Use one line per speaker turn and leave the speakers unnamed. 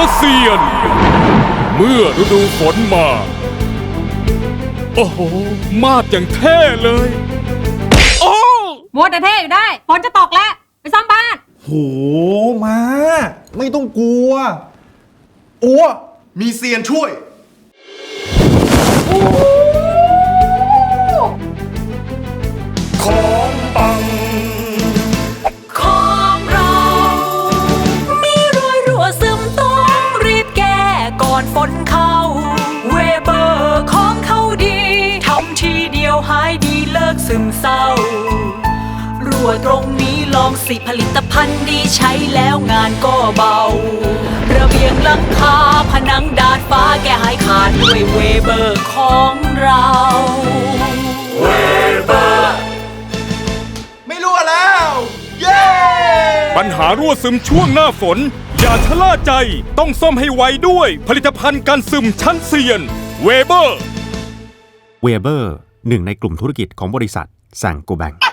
เซียนเมื่อฤดูฝนมาโอ้โหมาดอย่างเท่เลยโอ้
มัวแต่เท่อยู่ได้ฝนจะตกแล้วไปซ่อมบ้าน
โหมาไม่ต้องกลัวอัวมีเซียนช่วยของปัง
ของเรามีรอยรั่วซึมต้องรีบแก้ก่อนฝนเข้าเวเบอร์ของเขาดีทำทีเดียวหายดีเลิกซึมเศร้ารั่วตรงนี้ลองสิผลิตภัณฑ์ดีใช้แล้วงานก็เบาระเบียงหลังคาผนังดาดฟ้าแก้หายขาดด้วยเวเบอร์ของเรา
เวเบอร์ไม่รั่วแล้วเย้
ปัญหารั่วซึมช่วงหน้าฝนอย่าชะล่าใจต้องซ่อมให้ไวด้วยผลิตภัณฑ์กันซึมชั้นเซียนเวเบอร์
หนึ่งในกลุ่มธุรกิจของบริษัทแซงโกแบง